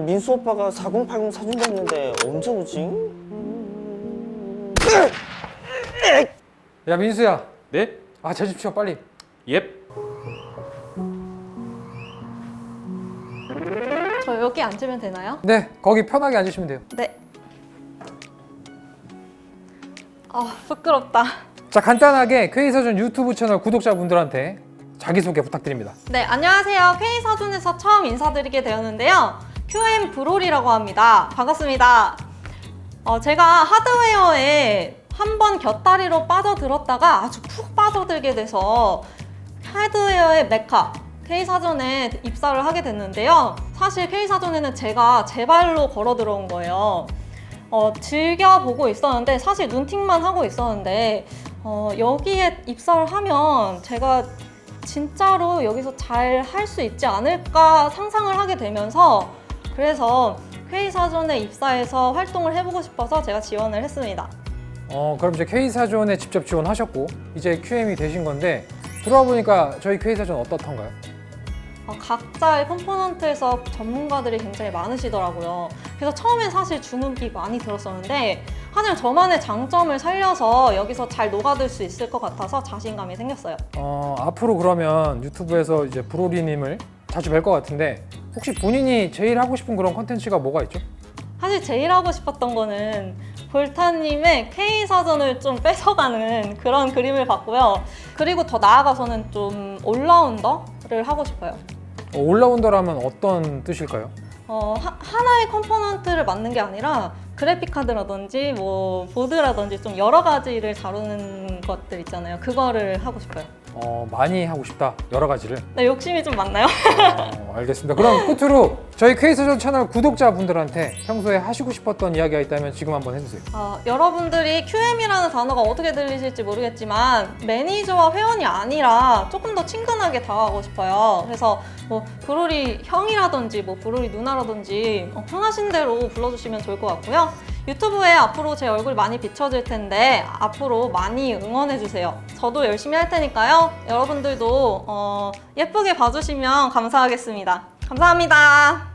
민수 오빠가 4080 사준다는데 언제 오지? 야 민수야. 네? 아 제 집 치워 빨리. 옙. 저 여기 앉으면 되나요? 네 거기 편하게 앉으시면 돼요. 네. 아, 부끄럽다. 자 간단하게 K사전 유튜브 채널 구독자분들한테 자기소개 부탁드립니다. 네, 안녕하세요. K사전에서 처음 인사드리게 되었는데요. QM 브롤이라고 합니다. 반갑습니다. 제가 하드웨어에 한번 곁다리로 빠져들었다가 아주 푹 빠져들게 돼서 하드웨어의 메카 K사전에 입사를 하게 됐는데요. 사실 K사전에는 제가 제 발로 걸어 들어온 거예요. 즐겨보고 있었는데 사실 눈팅만 하고 있었는데 여기에 입사를 하면 제가 진짜로 여기서 잘 할 수 있지 않을까 상상을 하게 되면서 그래서 K사전에 입사해서 활동을 해보고 싶어서 제가 지원을 했습니다. 그럼 이제 K사전에 직접 지원하셨고 이제 QM이 되신 건데 들어와 보니까 저희 K사전 어떻던가요? 각자의 컴포넌트에서 전문가들이 굉장히 많으시더라고요. 그래서 처음엔 사실 주눅이 많이 들었었는데 하지만 저만의 장점을 살려서 여기서 잘 녹아들 수 있을 것 같아서 자신감이 생겼어요. 앞으로 그러면 유튜브에서 이제 브로리님을 자주 뵐 것 같은데 혹시 본인이 제일 하고 싶은 그런 컨텐츠가 뭐가 있죠? 사실 제일 하고 싶었던 거는 볼타님의 K사전을 좀 뺏어가는 그런 그림을 봤고요. 그리고 더 나아가서는 좀 올라운더를 하고 싶어요. 올라운더라면 어떤 뜻일까요? 하나의 컴포넌트를 만든 게 아니라 그래픽 카드라든지 뭐 보드라든지 좀 여러 가지를 다루는 것들 있잖아요. 그거를 하고 싶어요. 많이 하고 싶다 여러 가지를. 네, 욕심이 좀 많나요? 알겠습니다. 그럼 끝으로 저희 K사전 채널 구독자분들한테 평소에 하시고 싶었던 이야기가 있다면 지금 한번 해주세요. 여러분들이 QM이라는 단어가 어떻게 들리실지 모르겠지만 매니저와 회원이 아니라 조금 더 친근하게 다가가고 싶어요. 그래서 뭐 브로리 형이라든지 뭐 브로리 누나라든지 편하신 대로 불러주시면 좋을 것 같고요. 유튜브에 앞으로 제 얼굴 많이 비춰질 텐데 앞으로 많이 응원해주세요. 저도 열심히 할 테니까요. 여러분들도 예쁘게 봐주시면 감사하겠습니다. 감사합니다.